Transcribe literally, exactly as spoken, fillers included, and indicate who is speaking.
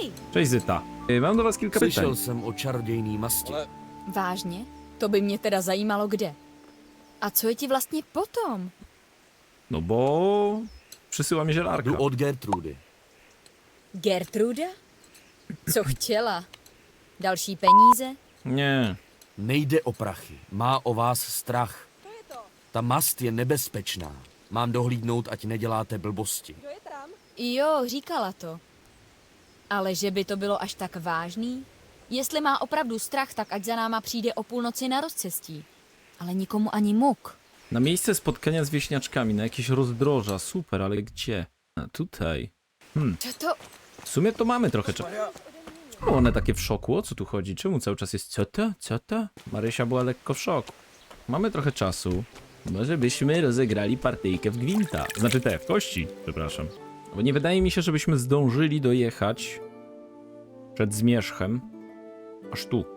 Speaker 1: Hej!
Speaker 2: Cześć Zyta. Y, Mam do was kilka
Speaker 3: Slyšel
Speaker 2: pytań.
Speaker 3: jsem o čarodějný masti.
Speaker 1: Vážně? To by mě teda zajímalo kde. A co je ti vlastně potom?
Speaker 2: No bo... Przysyła mi zielarka.
Speaker 3: Jdu od Gertrudy.
Speaker 1: Gertruda? Co chtěla? Další peníze?
Speaker 2: Nie.
Speaker 3: Nejde o prachy, má o vás strach. Ta mast je nebezpečná. Mám dohlídnout, ať neděláte blbosti.
Speaker 1: Jo, říkala to. Ale že by to bylo až tak vážný? Jestli má opravdu strach, tak ať za náma přijde o půlnoci na rozcestí. Ale nikomu ani muk.
Speaker 2: Na miejsce spotkania z wieśniaczkami, na jakieś rozdroża. Super, ale gdzie? A tutaj. Hmm,
Speaker 1: Co to?
Speaker 2: w sumie to mamy trochę czasu. Czemu one takie w szoku? O co tu chodzi? Czemu cały czas jest co to? Co to? Marysia była lekko w szoku. Mamy trochę czasu. Może byśmy rozegrali partyjkę w gwinta. Znaczy te, w kości, przepraszam. Bo nie wydaje mi się, żebyśmy zdążyli dojechać przed zmierzchem aż tu.